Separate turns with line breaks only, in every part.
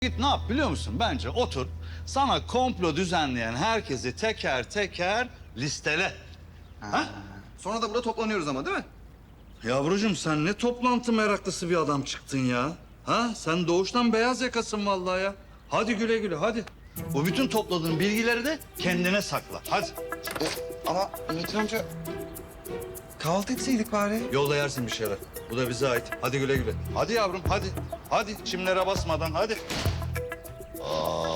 Git ne yap biliyor musun? Bence otur. Sana komplo düzenleyen herkesi teker teker listele. Ha?
Sonra da burada toplanıyoruz ama değil mi?
Yavrucuğum sen ne toplantı meraklısı bir adam çıktın ya. Ha? Sen doğuştan beyaz yakasın vallahi ya. Hadi güle güle hadi. Bu bütün topladığın bilgileri de kendine sakla. Hadi.
Ama Metin amca kahvaltı etseydik bari.
Yolda yersin bir şeyler. Bu da bize ait. Hadi güle güle. Hadi yavrum hadi. Hadi çimlere basmadan hadi. Aa.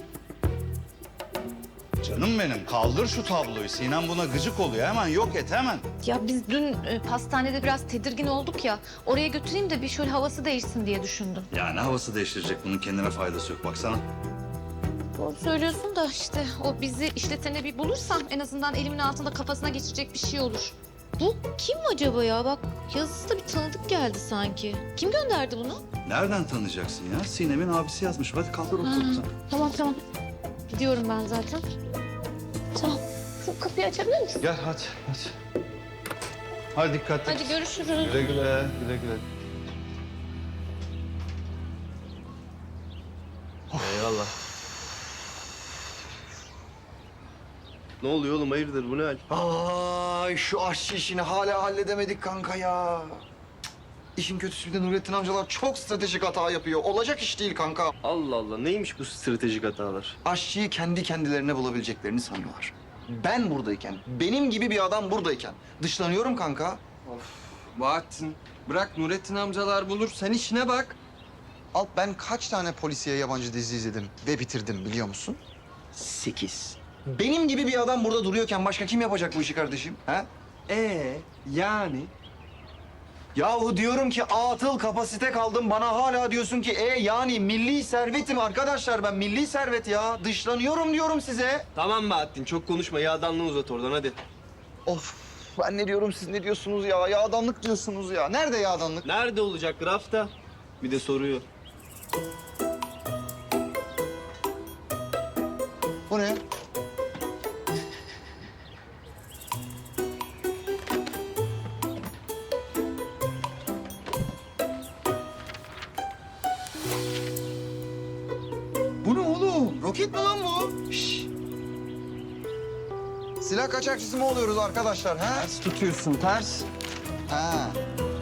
Canım benim kaldır şu tabloyu. Sinem buna gıcık oluyor. Hemen yok et hemen.
Ya biz dün pastanede biraz tedirgin olduk ya. Oraya götüreyim de bir şöyle havası değişsin diye düşündüm.
Yani havası değiştirecek. Bunun kendine faydası yok. Baksana.
Doğru söylüyorsun da işte o bizi işletene bir bulursam en azından elimin altında kafasına geçirecek bir şey olur. Bu kim acaba ya? Bak yazısı da bir tanıdık geldi sanki. Kim gönderdi bunu?
Nereden tanıyacaksın ya? Sinem'in abisi yazmış. Hadi kaldır otur sen.
Tamam. Gidiyorum ben zaten. Tamam. Şu kapıyı açabilir misin?
Gel hadi. Hadi dikkatli.
Hadi görüşürüz.
Güle güle. Güle güle.
Eyvallah. Ne oluyor oğlum hayırdır bu ne hal?
Ay şu aşçı işini hala halledemedik kanka ya. İşin kötüsü bir de Nurettin amcalar çok stratejik hata yapıyor. Olacak iş değil kanka.
Allah Allah neymiş bu stratejik hatalar?
Aşçıyı kendi kendilerine bulabileceklerini sanıyorlar. Ben buradayken, benim gibi bir adam buradayken dışlanıyorum kanka.
Bahattin, bırak Nurettin amcalar bulur. Sen işine bak.
Alp ben kaç tane polisiye yabancı dizi izledim ve bitirdim biliyor musun?
8.
Benim gibi bir adam burada duruyorken başka kim yapacak bu işi kardeşim? Ha?
Yani?
Yahu diyorum ki atıl kapasite kaldım. Bana hala diyorsun ki yani milli servetim arkadaşlar ben milli servet ya. Dışlanıyorum diyorum size.
Tamam Bahattin çok konuşma yağdanlığı uzat oradan hadi.
Of ben ne diyorum siz ne diyorsunuz ya? Yağdanlık diyorsunuz ya. Nerede yağdanlık?
Nerede olacak rafta? Bir de soruyor.
Bu ne? Bu ne oğlum? Roket mi lan bu? Şşş. Silah kaçakçısı mı oluyoruz arkadaşlar ha?
Ters tutuyorsun, ters.
Ha.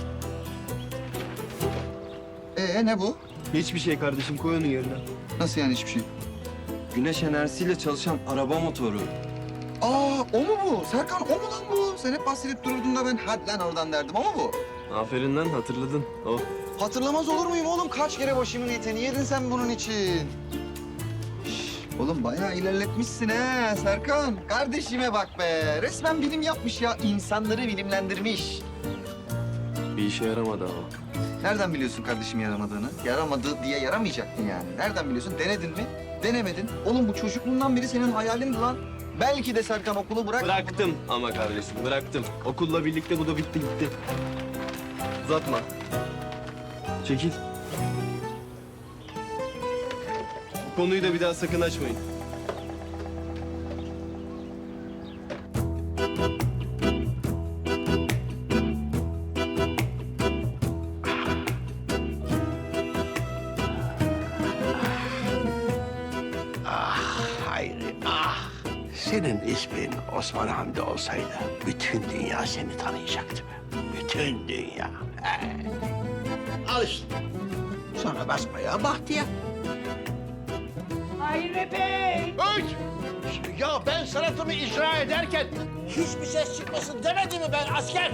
Ne bu?
Hiçbir şey kardeşim koy onu yerine.
Nasıl yani hiçbir şey?
Güneş enerjisiyle çalışan araba motoru.
Aa o mu bu? Serkan o mu lan bu? Sen hep bahsedip dururdun da ben hadi lan oradan derdim ama bu.
Aferin lan hatırladın. Oh.
Hatırlamaz olur muyum oğlum? Kaç kere başımın etini yedin sen bunun için. Şş, oğlum bayağı ilerletmişsin he Serkan. Kardeşime bak be. Resmen bilim yapmış ya. İnsanları bilimlendirmiş.
Bir işe yaramadı ama.
Nereden biliyorsun kardeşim yaramadığını? Yaramadı diye yaramayacak mı yani? Nereden biliyorsun? Denedin mi? Denemedin. Oğlum bu çocukluğundan beri senin hayalindi lan. Belki de Serkan okulu bırak.
Bıraktım ama kardeşim bıraktım. Okulla birlikte bu da bitti gitti. Uzatma. Çekil. Bu konuyu da bir daha sakın açmayın.
Hayri, ah! Senin ismin Osman Hamdi olsaydı bütün dünya seni tanıyacaktı be. Bütün dünya. Al işte. Sonra basmaya bahtiyar.
Hayri Bey!
Öç! Ya ben sanatımı icra ederken hiçbir ses çıkmasın demedi mi ben asker?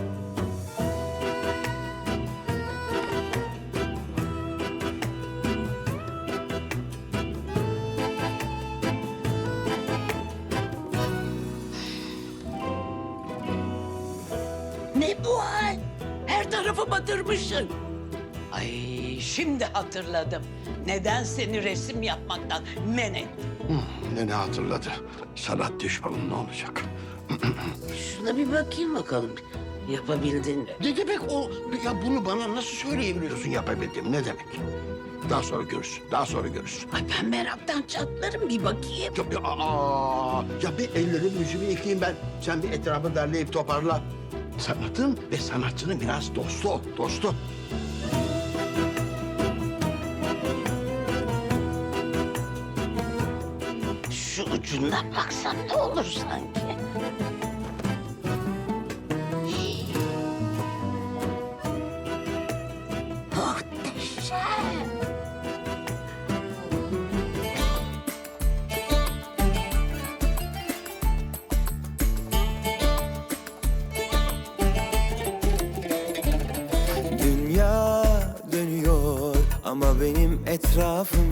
Ne bu hal? Her tarafı batırmışsın. Ay şimdi hatırladım. Neden seni resim yapmaktan men ettim?
Ne hatırladı? Sanat düşmanı ne olacak?
Şuna bir bakayım bakalım. Yapabildin mi?
Ne demek o? Ya bunu bana nasıl söyleyebiliyorsun yapabildim? Ne demek? Daha sonra görürsün. Daha sonra görürsün.
Ay ben meraktan çatlarım bir bakayım.
Ya bir ellerimi yüzümü yıkayayım ben. Sen bir etrafı derleyip toparla. Sanatın ve sanatçının biraz dostu ol, dostu.
ucundan baksam ne olur sanki? Muhteşem.
Dünya dönüyor ama benim etrafım